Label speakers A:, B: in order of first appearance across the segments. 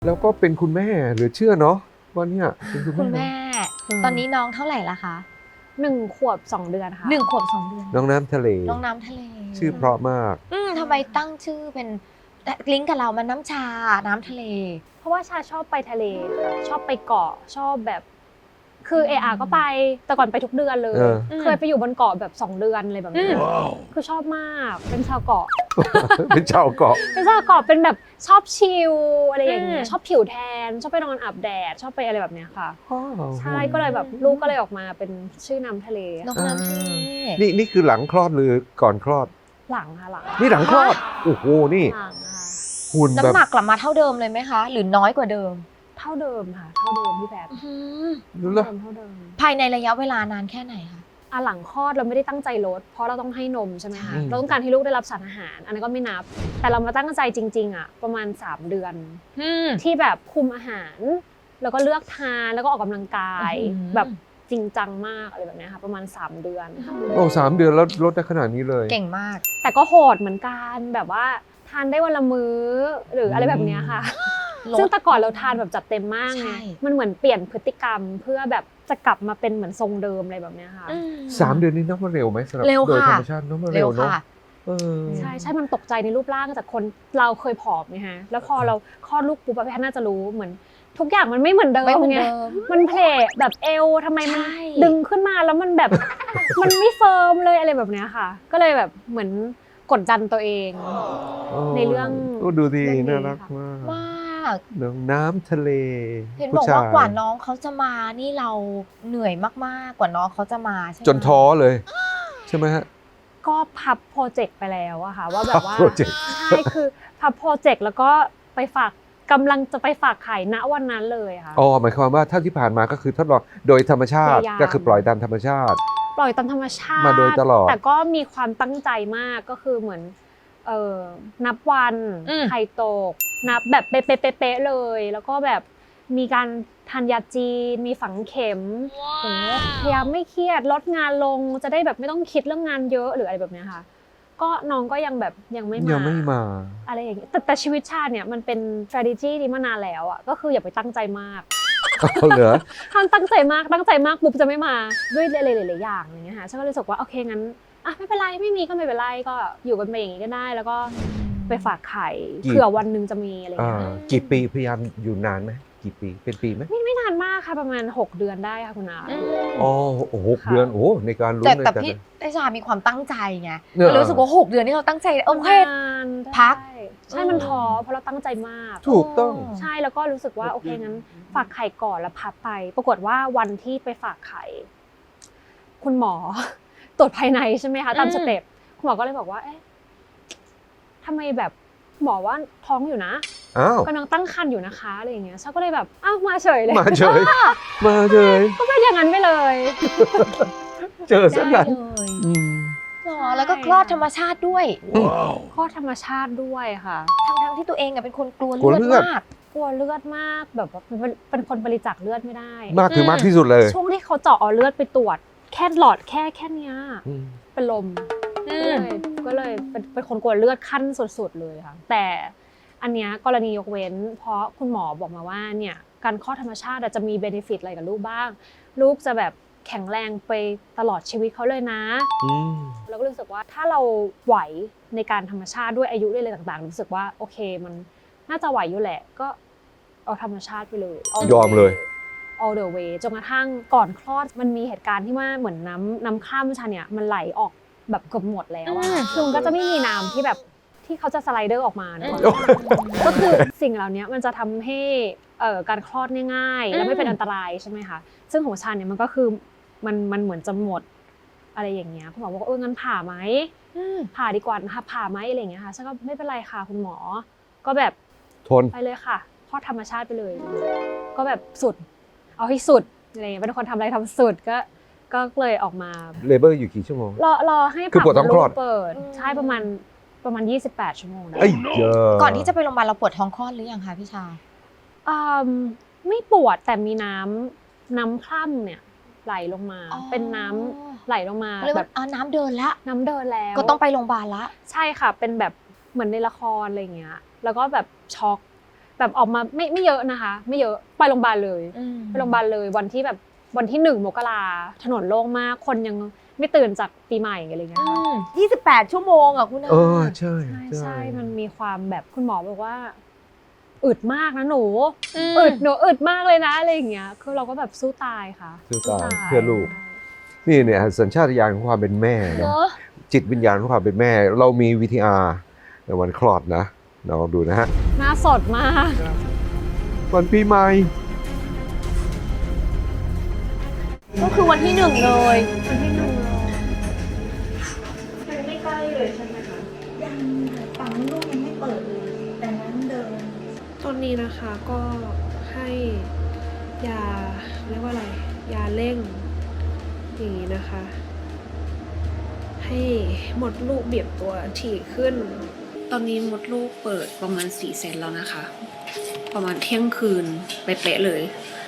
A: แล้วก็เป็นคุณแม่เหลือเชื่อเนาะว่าเนี่ยเป็น
B: คุณแม่ตอนนี้น้องเท่าไหร่ละคะ
C: 1 ขวบ 2 เดือนค่ะ
B: 1 ขวบ 2 เดือน
A: น้องน้ำทะเล
B: น้องน้ำทะเล
A: ชื่อเพราะมาก
B: ทำไมตั้งชื่อเป็นลิงก์กับเรามันน้ำชาน้ำทะเล
C: เพราะว่าชาชอบไปทะเลค่ะชอบไปเกาะชอบแบบคือก็ไปแต่ก่อนไปทุกเดือนเลยเคยไปอยู่บนเกาะแบบ2 เดือนอะไรแบบนี้คือชอบมากเป็นชาวเกาะ
A: เป็นชาวเกาะ
C: เป็นชาวเกาะเป็นแบบชอบชิลอะไรอย่างเงี้ยชอบผิวแทนชอบไปนอนอาบแดดชอบไปอะไรแบบเนี้ยค่ะใช่ก็เลยแบบลูกก็เลยออกมาเป็นชื่อน้ำทะเล
B: น้องน้ำทะเล
A: นี่คือหลังคลอดหรือก่อนคลอด
C: หลังค่ะหลัง
A: นี่หลังคลอดโอ้โหนี่หุ่นแบบ
B: น้ำหนักกลับมาเท่าเดิมเลยไหมคะหรือน้อยกว่าเดิม
C: เท่าเดิมค่ะเท่าเดิมพี่แพท
A: รู้แล้ว
C: เท่าเดิม
B: ภายในระยะเวลานานแค่ไหนคะ
C: หลังคลอดเราไม่ได้ตั้งใจลดเพราะเราต้องให้นมใช่ไหมคะเราต้องการให้ลูกได้รับสารอาหารอันนั้นก็ไม่นับแต่เรามาตั้งใจจริงๆประมาณ3 เดือนที่แบบคุมอาหารแล้วก็เลือกทานแล้วก็ออกกำลังกายแบบจริงจังมากอะไรแบบนี้ค่ะประมาณ3 เดือน
A: โอ้3 เดือนแล้วลดได้ขนาดนี้เลย
B: เก่งมาก
C: แต่ก็โหดเหมือนกันแบบว่าทานได้วันละมื้อหรืออะไรแบบนี้ค่ะซึ่งแต่ก่อนเราทานแบบจัดเต็มมากไงมันเหมือนเปลี่ยนพฤติกรรมเพื่อแบบจะกลับมาเป็นเหมือนทรงเดิมอะไรแบบนี้ค่ะ
A: 3 เดือนนี้นับว่าเร็วไหมสำหรับโดยธรรมชาตินับว่าเร็วเนาะ
C: ใช่มันตกใจในรูปร่างจากคนเราเคยผอมไงฮะแล้วพอเราคลอดลูกปุ๊บพี่น่าจะรู้เหมือนทุกอย่างมันไม่เหมือนเดิมไงมันเพลทแบบเอวทำไมมันดึงขึ้นมาแล้วมันแบบมันไม่เฟิร์มเลยอะไรแบบนี้ค่ะก็เลยแบบเหมือนกดดันตัวเองในเรื่อง
A: ดูดีน่ารักมากน้ำทะเล
B: เห็นบอกว่ากว่าน้องเขาจะมานี่เราเหนื่อยมากๆกว่าน้องเขาจะมาใช่ไหม
A: จนท้อเลยใช่ไหมฮะ
C: ก็พับโปรเจกต์ไปแล้วอะค่ะว่าแบบว่าใช่คือพับโปรเจกต์แล้วก็ไปกำลังจะไปฝากไข่ณวันนั้นเลยค่ะ
A: หมายความว่าถ้าที่ผ่านมาก็คือทดลองโดยธรรมชาติก็คือปล่อยตามธรรมชาติ
C: ปล่อยตามธรรมชาติ
A: มาโดยตลอด
C: แต่ก็มีความตั้งใจมากก็คือเหมือนนับวันไข่ตกนับแบบเป๊ะๆเลยแล้วก็แบบมีการทานยาจีนมีฝังเข็มพยายามไม่เครียดลดงานลงจะได้แบบไม่ต้องคิดเรื่องงานเยอะหรืออะไรแบบนี้ค่ะก็น้องก็ยังแบบยังไม่มาอะไรอย่างเงี้ยแต่ชีวิตชาติเนี่ยมันเป็น strategy นี้มานานแล้วอ่ะก็คืออย่าไปตั้งใจมาก
A: เหรอ
C: ถ้าตั้งใจมากปุ๊บจะไม่มาด้วยหลายๆอย่างอย่างเงี้ยค่ะฉันก็เลยรู้สึกว่าโอเคงั้นไม่เป็นไรไม่มีก็ไม่เป็นไรก็อยู่กันไปอย่างนี้ก็ได้แล้วก็ไปฝากไข่เผื่อวันนึงจะมีอะไรอย่างเงี้ย
A: กี่ปีพยายามอยู่นานไหมกี่ปีเป็นปีไหม
C: ไม่นานมากค่ะประมาณ6 เดือนได้ค่ะคุณอา
A: 6 เดือนในการลุ้น
B: แต่พี่ได้ชามีความตั้งใจไงรู้สึกว่า6 เดือนที่เราตั้งใจโอเคพัก
C: ใช่มันท้อเพราะเราตั้งใจมาก
A: ถูกต้อง
C: ใช่แล้วก็รู้สึกว่าโอเคงั้นฝากไข่ก่อนแล้วพับไปปรากฏว่าวันที่ไปฝากไข่คุณหมอตรวจภายในใช่ไหมคะตามสเต็ปคุณหมอก็เลยบอกว่าทำไมแบบหมอว่าท้องอยู่นะกำลังตั้งครรภ์อยู่นะคะอะไรอย่างเงี้ยฉันก็เลยแบบมาเฉยเลย
A: มาเฉย
C: ก็เป็นอย่างนั้นไปเลย
A: เจอสักอย่าง
B: แล้วก็คลอดธรรมชาติด้วย
C: คลอดธรรมชาติด้วยค่ะ
B: ทั้งที่ตัวเองเป็นคนกลัวเลือดมากแบบเป็นคนบริจาคเลือดไม่ได้
A: มากคือมากที่สุดเลย
C: ช่วงที่เขาเจาะเอาเลือดไปตรวจแค่หลอดแค่เนี้ยเป็นลมก็เลยเป็นคนกลัวเลือดขั้นสุดๆเลยค่ะแต่อันเนี้ยกรณียกเว้นเพราะคุณหมอบอกมาว่าเนี่ยการคลอดธรรมชาติจะมีเบเนฟิตอะไรกับลูกบ้างลูกจะแบบแข็งแรงไปตลอดชีวิตเขาเลยนะแล้วก็รู้สึกว่าถ้าเราไหวในการธรรมชาติด้วยอายุด้วยอะไรต่างๆรู้สึกว่าโอเคมันน่าจะไหวอยู่แหละก็เอาธรรมชาติไปเลย
A: ยอมเลย
C: all the way จนกระทั่งก่อนคลอดมันมีเหตุการณ์ที่ว่าเหมือนน้ำข้ามชาเนี่ยมันไหลออกแบบเกือบหมดแล้วคือมันก็จะไม่มีน้ำที่แบบที่เขาจะสไลเดอร์ออกมานะก็คือสิ่งเหล่านี้มันจะทำให้การคลอดง่ายๆและไม่เป็นอันตรายใช่ไหมคะซึ่งของชาเนี่ยมันก็คือมันเหมือนจะหมดอะไรอย่างเงี้ยคุณหมอบอกงั้นผ่าไหมผ่าดีกว่านะคะผ่าไหมอะไรอย่างเงี้ยค่ะฉันก็ไม่เป็นไรค่ะคุณหมอก็แบบ
A: ทน
C: ไปเลยค่ะคลอดธรรมชาติไปเลยก็แบบสุดเอาให้สุดอะไรเป็นคนทำอะไรทำสุดก็เลยออกมา
A: เลเบอร์อยู่กี่ชั่วโมง
C: รอให้
A: คือปวดท้องคลอด
C: เปิดใช่ประมาณ28 ชั่วโมงนะ
B: ก่อนที่จะไปโรงพยาบาลเราปวดท้องคลอดหรือยังคะพี่ชา
C: ไม่ปวดแต่มีน้ำคร่ำเนี่ยไหลลงมาเป็นน้ำไหลลงมา
B: แบบน้ำเดินแล้วก็ต้องไปโรงพยาบาลละ
C: ใช่ค่ะเป็นแบบเหมือนในละครอะไรเงี้ยแล้วก็แบบช็อกไปแบบออกมาไม่เยอะนะคะ ไม่เยอะไปโรงพยาบาลเลยไปโรงพยาบาลเลยวันที่แบบวันที่1 มกราถนนโล่งมากคนยังไม่ตื่นจากปีใหม่อะไรเงี้ยค่ะ
B: 28 ชั่วโมงอ่ะคุณอา
A: ใช่
C: ใช่มันมีความแบบคุณหมอบอกว่าอึดมากนะหนูอึดมากเลยนะอะไรอย่างเงี้ยคือเราก็แบบสู้ตายค่ะ
A: สู้ตายเพื่อลูกนี่เนี่ยสัญชาตญาณของความเป็นแม่นะจิตวิญญาณของความเป็นแม่เรามี VTR ในวันคลอดนะลองดูนะฮะ
C: หน้าสดมาก
A: วันปีใหม่
B: ก็คือวันที่1เลย
C: วันที่1เลย
D: ไม่ใกล้เลยใช่ไหมคะยังปั๊มลูกยังไม่เปิดเลยแต่นั้นเดิน
C: ตอนนี้นะคะก็ให้ยาเรียกว่าอะไรยาเร่งอย่างนี้นะคะ ให้มดลูกเบียบตัวถี่ขึ้น ตอนนี้มดลูกเปิดประมาณ4 เซนแล้วนะคะ ประมาณเที่ยงคืนเป๊ะๆเลย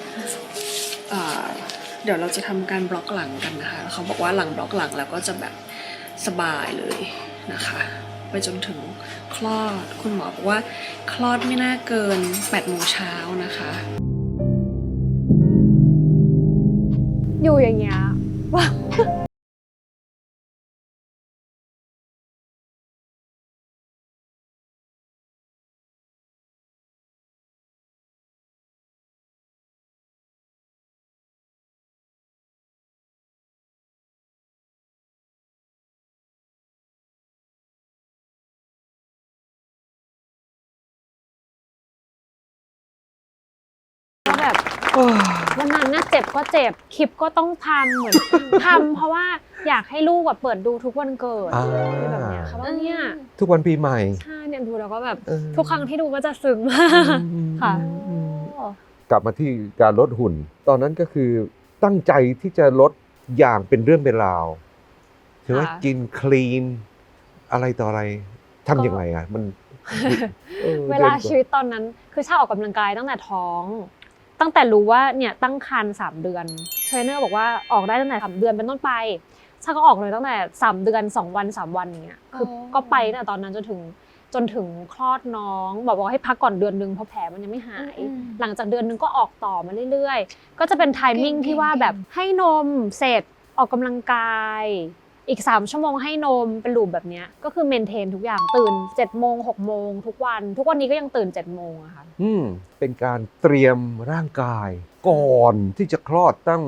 C: เดี๋ยวเราจะทำการบล็อกหลังกันนะคะเขาบอกว่าหลังบล็อกหลังแล้วก็จะแบบสบายเลยนะคะไปจนถึงคลอดคุณหมอบอกว่าคลอดไม่น่าเกิน8 โมงเช้านะคะ อยู่อย่างเงี้ยแบบวันนั้นน่ะเจ็บก็เจ็บคลิปก็ต้องทำเหมือน ทำเพราะว่าอยากให้ลูกแบบเปิดดูทุกวันเกิดอะไรแบบเนี้ยค่ะว่าเนี่ย
A: ทุกวันปีใหม่
C: ใช่เนี่ยดูแล้วก็แบบทุกครั้งที่ดูก็จะซึ้งมากค่ะ
A: กลับมาที่การลดหุ่น ตอนนั้นก็คือตั้งใจที่จะลดอย่างเป็นเรื่องเป็นราวใช่ไหม
C: ค่ะ
A: กินคลีนอะไรต่ออะไรทำยังไงอ่ะมัน
C: เวลาชีวิตตอนนั้นคือชาออกกำลังกายตั้งแต่ท้อง ตั้งแต่รู้ว่าเนี่ยตั้งครรภ์3 เดือนเทรนเนอร์บอกว่าออกได้ตั้งแต่3 เดือนเป็นต้นไปชาก็ออกเลยตั้งแต่3 เดือน2 วัน3 วันอย่างเงี้ยคือก็ไปตั้งแต่ตอนนั้นจนถึงคลอดน้องบอกให้พักก่อนเดือนนึงเพราะแผลมันยังไม่หาย หลังจากเดือนนึงก็ออกต่อมาเรื่อยๆก็จะเป็นไทมิ่งที่ว่าแบบให้นมเสร็จออกกำลังกายอีก3 ชั่วโมงให้นมเป็นลูปแบบเนี้ยก็คือเมนเทนทุกอย่างตื่น7 โมง6 โมงทุกวันนี้ก็ยังตื่น7 โมงอะค่ะ
A: เป็นการเตรียมร่างกายก่อนที่จะคลอดตั้ง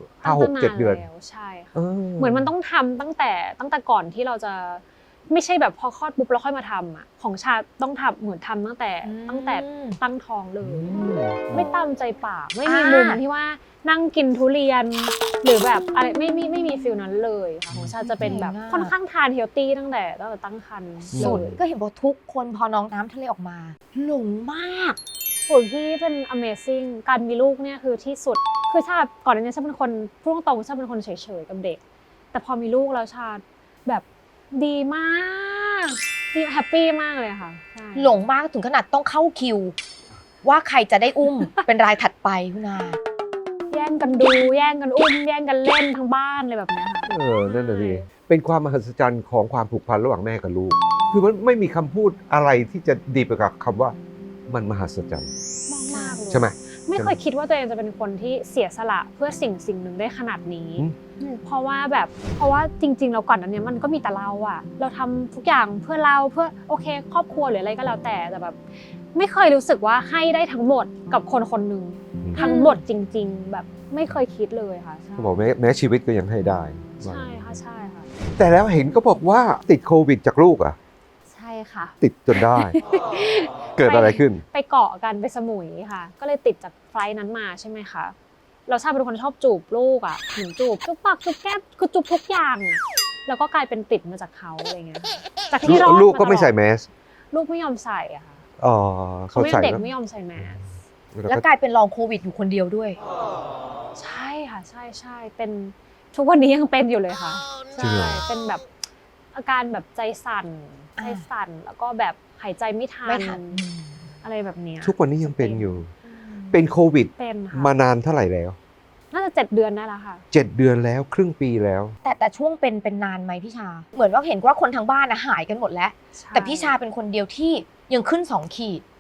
A: 5-6-7 เดือน
C: แล้วใช่ค่ะเหมือนมันต้องทำตั้งแต่ก่อนที่เราจะไม่ใช่แบบพอคลอดปุ๊บแล้วค่อยมาทำอ่ะของชาต้องทำเหมือนทำตั้งแต่ตั้งท้องเลย ไม่ตามใจปากไม่มีมุมที่ว่านั่งกินทุเรียนหรือแบบอะไรไม่มีฟิลนั้นเลยค่ะของชาจะเป็นแบบค่อนข้างทานเฮลตี้ตั้งแต่ตั้งครรภ์
B: สุดก็เห็นบอกทุกคนพอน้องน้ำทะเลออกมาหลงมาก
C: โอ้ยพี่เป็น Amazing การมีลูกเนี่ยคือที่สุดคือชาก่อนหน้านี้ชาเป็นคนพูดตรงๆชาเป็นคนเฉยๆกับเด็กแต่พอมีลูกแล้วชาแบบดีมากดีแฮปปี้มากเลยค่ะใช่
B: หลงมากถึงขนาดต้องเข้าคิว ว่าใครจะได้อุ้ม เป็นรายถัดไปคุณอา
C: แย่งกันดูแย่งกันอุ้มแย่งกันเล่นทั้งบ้านเลยแบบเนี้ยค่ะ
A: นั่นแหละสิเป็นความมหัศจรรย์ของความผูกพันระหว่างแม่กับลูก คือมันไม่มีคำพูดอะไรที่จะดีไปกับคำว่ามันมหัศจรรย์
C: มากๆเลย
A: ใช่ไหม
C: ไม่เคยคิดว่าตัวเองจะเป็นคนที่เสียสละเพื่อสิ่งหนึ่งได้ขนาดนี้ เพราะว่าจริงๆเราก่อนอันเนี้ยมันก็มีแต่เราอะเราทำทุกอย่างเพื่อเราเพื่อโอเคครอบครัวหรืออะไรก็แล้วแต่แบบไม่เคยรู้สึกว่าให้ได้ทั้งหมดกับคนคนหนึ่งทั้งหมดจริง ๆ แบบไม่เคยคิดเลยค่ะใช่
A: เขาบอกแม้ชีวิตก็ยังให้ได้
C: ใช่ค่ะ
A: แต่แล้วเห็นก็บอกว่าติดโควิดจากลูกอ่ะ
C: ใช่ค่ะ
A: ติดจนได้ เกิดอะไรขึ้น
C: ไปเกาะกันไปสมุยค่ะ ก็เลยติดจากไฟล์นั้นมาใช่ไหมคะเราชาเป็นคนชอบจูบลูกอ่ะเหมือนจูบปากจูบแก้มคือจูบทุกอย่างอ่ะแล้วก็กลายเป็นติดมาจากเขาอะไรเงี้ยจากที่รอด
A: ลูกก็ไม่ใส่แมส
C: ลูกไม่ยอมใส่อะค่ะ
A: อ๋อ
C: เขา
A: เขา
C: ไม่
A: ใส่
C: เด็ก
A: แล้ว
C: ไม่ยอมใส่แมส
B: แล้วกลายเป็นลองโควิดอยู่คนเดียวด้วย
C: ใช่ค่ะใช่เป็นทุกวันนี้ยังเป็นอยู่เลยค่ะ
A: จริงเหรอ
C: เป็นแบบอาการแบบใจสั่นแล้วก็แบบหายใจไม่ทันอะไรแบบเนี้ย
A: ทุกวันนี้ยังเป็นอยู่ เป็นโควิด
C: เป็นค่ะ
A: มานานเท่าไหร่แล้ว
C: น่าจะ7 เดือนได้แล้วค่ะ
A: 7 เดือนแล้วครึ่งปีแล้ว
B: แต่ช่วงเป็นนานไหมพี่ชา เหมือนว่าเห็นว่าคนทางบ้านหายกันหมดแล้ว แต่พี่ชาเป็นคนเดียวที่ยังขึ้น2 ขีด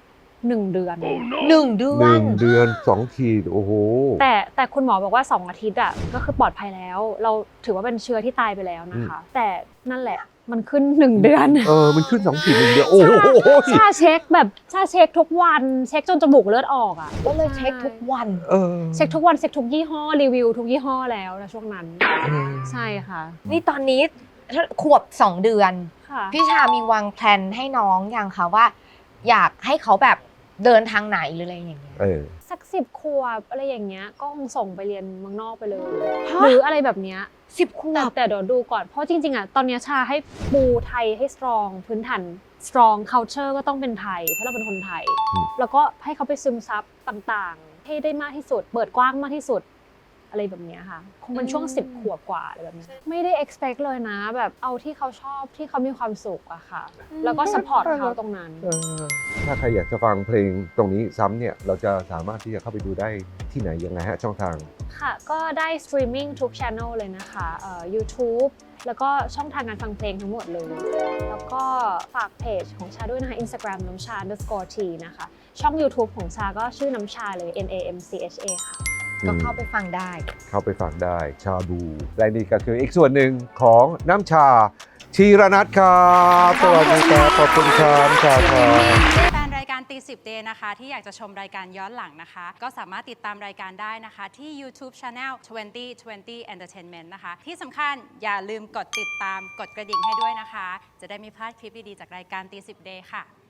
C: 1 เดือน
B: 1 เดือน
A: 1 เดือน 2 ขีดโอ้โห
C: แต่คุณหมอบอกว่า 2 อาทิตย์อ่ะก็คือปลอดภัยแล้ว เราถือว่าเป็นเชื้อที่ตายไปแล้วนะคะ แต่นั่นแหละมันขึ้น 1 เดือน
A: มันขึ้น 2 ขีด 1 เดือนโอ้โห
C: ชาเช็คทุกวันเช็คจนจมูกเลือดออกอ่ะ
B: ก็เลยเช็คทุกวัน
C: เช็คทุกวันเช็คทุกยี่ห้อรีวิวทุกยี่ห้อแล้วนะช่วงนั้นใช่ค่ะ
B: นี่ตอนนี้ขวบ 2 เดือน
C: ค่ะ
B: พี่ชามีวางแผนให้น้องยังคะว่า อยากให้เขาแบบเดินทางไหนหรืออะไรอย่างเงี้ย
C: สัก10 ขวบอะไรอย่างเงี้ยก็คงส่งไปเรียนเมืองนอกไปเลย หรืออะไรแบบเนี้ย
B: 10 ขวบ
C: แต่เดี๋ยวดูก่อนเพราะจริงๆอ่ะตอนเนี้ยชาให้ปูไทยให้ strong พื้นฐาน strong culture ก็ต้องเป็นไทยเพราะเราเป็นคนไทย แล้วก็ให้เขาไปซึมซับต่างๆให้ได้มากที่สุดเปิดกว้างมากที่สุดอะไรแบบเนี้ยค่ะคงเป็นช่วง10 ขวบกว่าอะไรแบบเนี้ยไม่ได้ expect เลยนะแบบเอาที่เขาชอบที่เขามีความสุขอะค่ะแล้วก็ support เขาตรงนั้น
A: ถ้าใครอยากจะฟังเพลงตรงนี้ซ้ำเนี่ยเราจะสามารถที่จะเข้าไปดูได้ที่ไหนยังไงฮะช่องทาง
C: ค่ะก็ได้สตรีมมิ่งทุกช่องเลยนะคะYouTube แล้วก็ช่องทางการฟังเพลงทั้งหมดเลย แล้วก็ฝากเพจของชาด้วยนะคะ Instagram น้ำชา_t นะคะช่อง YouTube ของชาก็ชื่อน้ำชาเลย NAMCHA ค่ะ
B: ก็เข้าไปฟังได้
A: เข้าไปฟังได้ชาบูและนี่ก็คืออีกส่วนหนึ่งของน้ำชาชีรนัทครับสวัสดีครับขอบคุณครับน้ำชาครับ
E: แฟนรายการตี10 Day นะคะที่อยากจะชมรายการย้อนหลังนะคะ ก็สามารถติดตามรายการได้นะคะที่ YouTube Channel 2020 Entertainment นะคะ ที่สำคัญอย่าลืมกดติดตามกดกระดิ่งให้ด้วยนะคะ จะได้ไม่พลาดคลิปดีๆจากรายการตี10 Day ค่ะ